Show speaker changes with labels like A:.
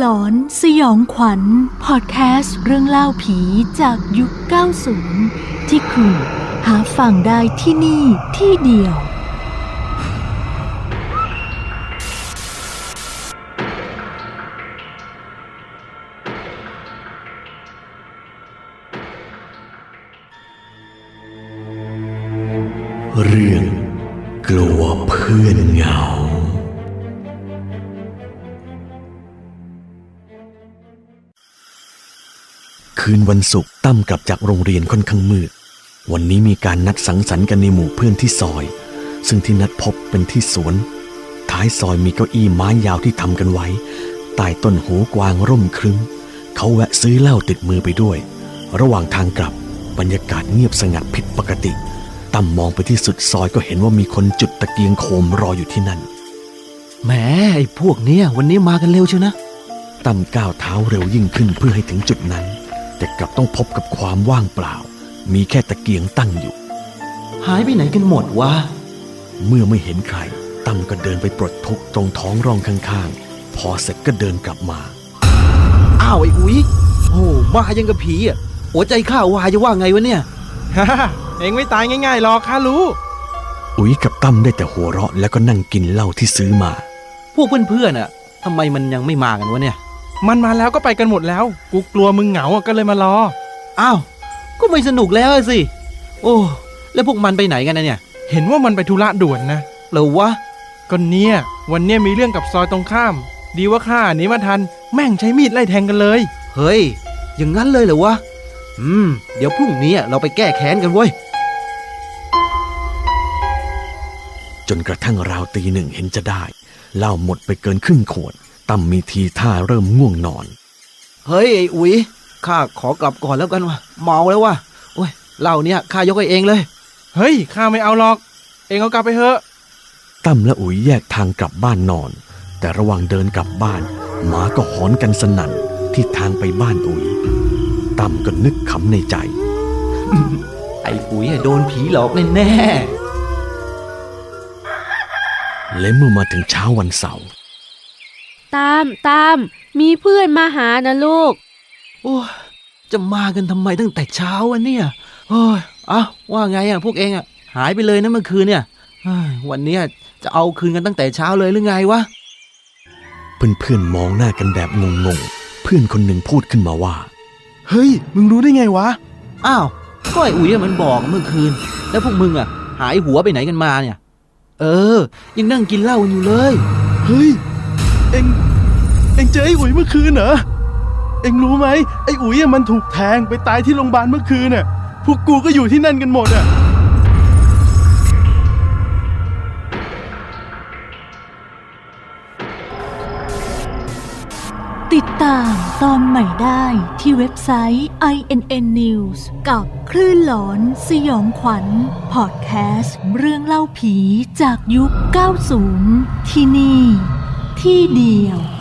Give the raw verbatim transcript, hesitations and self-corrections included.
A: หลอนสยองขวัญพอดแคสต์เรื่องเล่าผีจากยุค เก้าสิบ ที่คุณหาฟังได้ที่นี่ที่เดียว
B: เรื่องกลัวเพื่อนเหงาคืนวันศุกร์ตั้มกลับจากโรงเรียนค่อนข้างมืดวันนี้มีการนัดสังสรรค์กันในหมู่เพื่อนที่ซอยซึ่งที่นัดพบเป็นที่สวนท้ายซอยมีเก้าอี้ไม้ยาวที่ทำกันไว้ใต้ต้นหูกวางร่มครึ้มเขาแวะซื้อเหล้าติดมือไปด้วยระหว่างทางกลับบรรยากาศเงียบสงัดผิดปกติตั้มมองไปที่สุดซอยก็เห็นว่ามีคนจุดตะเกียงโคมรออยู่ที่นั่น
C: แหมไอ้พวกเนี้ยวันนี้มากันเร็วเชียวนะ
B: ตั้มก้าวเท้าเร็วยิ่งขึ้นเพื่อให้ถึงจุดนั้นแต่กลับต้องพบกับความว่างเปล่ามีแค่ตะเกียงตั้งอยู่
C: หายไปไหนกันหมดวะ
B: เมื่อไม่เห็นใครตั้มก็เดินไปปลดทุกข์ตรงท้องร่องข้างๆพอเสร็จก็เดินกลับมา
C: อ้าวไอ้อุ๋ยโอ้มายังกับผีอ่ะหัวใจข้าวายจะว่าไงวะเนี่ย
D: ฮ่าเองไม่ตายง่ายๆหรอกข้ารู้
B: อุ๋ยกับตั้มได้แต่หัวเราะแล้วก็นั่งกินเหล้าที่ซื้อมา
C: พวกเพื่อนๆอ่ะทำไมมันยังไม่มากันวะเนี่ย
D: มันมาแล้วก็ไปกันหมดแล้วกูกลัวมึงเหงาก็เลยมารอ
C: อ้าวก็ไม่สนุกแล้วสิโอ้แล้วพวกมันไปไหนกันนะเนี่ย
D: เห็นว่ามันไปธุระด่วนนะ
C: เหรอวะ
D: ก็เนี่ยวันเนี้ยมีเรื่องกับซอยตรงข้ามดีว่าข้าหนีมาทันแม่งใช้มีดไล่แทงกันเลย
C: เฮ้ยอย่างนั้นเลยเหรอวะอืมเดี๋ยวพรุ่งนี้เราไปแก้แค้นกันเว้ย
B: จนกระทั่งราวตีหนึ่งเห็นจะได้เหล้าหมดไปเกินครึ่งขวดตั้มมีทีท่าเริ่มง่วงนอน
C: เฮ้ยไอ้อุ๋ยข้าขอกลับก่อนแล้วกันว่ะเมาแล้วว่ะโอ้ยเหล้าเนี่ยข้ายกให้เองเลย
D: เฮ้ยข้าไม่เอาหรอกเองเอากลับไปเถอะ
B: ตั้มและอุ๋ยแยกทางกลับบ้านนอนแต่ระหว่างเดินกลับบ้านหมาก็หอนกันสนั่นที่ทางไปบ้านอุ๋ยตั้มก็นึกขำในใจ
C: ไอ้อุ๋ยโดนผีหลอกแน่
B: ๆและเมื่อมาถึงเช้าวันเสาร์
E: ตามตามมีเพื่อนมาหานะลูก
C: โอ้จะมากันทำไมตั้งแต่เช้าวะเนี่ยโอ้ยอ้าวว่าไงอ่ะพวกเองอ่ะหายไปเลยนะเมื่อคืนเนี่ยวันนี้จะเอาคืนกันตั้งแต่เช้าเลยหรือไงวะ
B: เพื่อนๆมองหน้ากันแบบงงๆเพื่อนคนหนึ่งพูดขึ้นมาว่า
D: เฮ้ยมึงรู้ได้ไงวะ
C: อ้าวก็ไอ้อุ๋ยมันบอกเมื่อคืนแล้วพวกมึงอ่ะหายหัวไปไหนกันมาเนี่ยเออยังนั่งกินเหล้าอยู่เลย
D: เฮ้ยเอ็งเอ็งเจอไอ้อุ๋ยเมื่อคืนเหรอเอ็งรู้ไหมไอ้อุ๋ยมันถูกแทงไปตายที่โรงพยาบาลเมื่อคืนน่ะพวกกูก็อยู่ที่นั่นกันหมดอ่ะ
A: ติดตามตอนใหม่ได้ที่เว็บไซต์ ไอ เอ็น เอ็น News กับคลื่นหลอนสยองขวัญพอดแคสต์เรื่องเล่าผีจากยุค เก้าสิบ ที่นี่ที่เดียว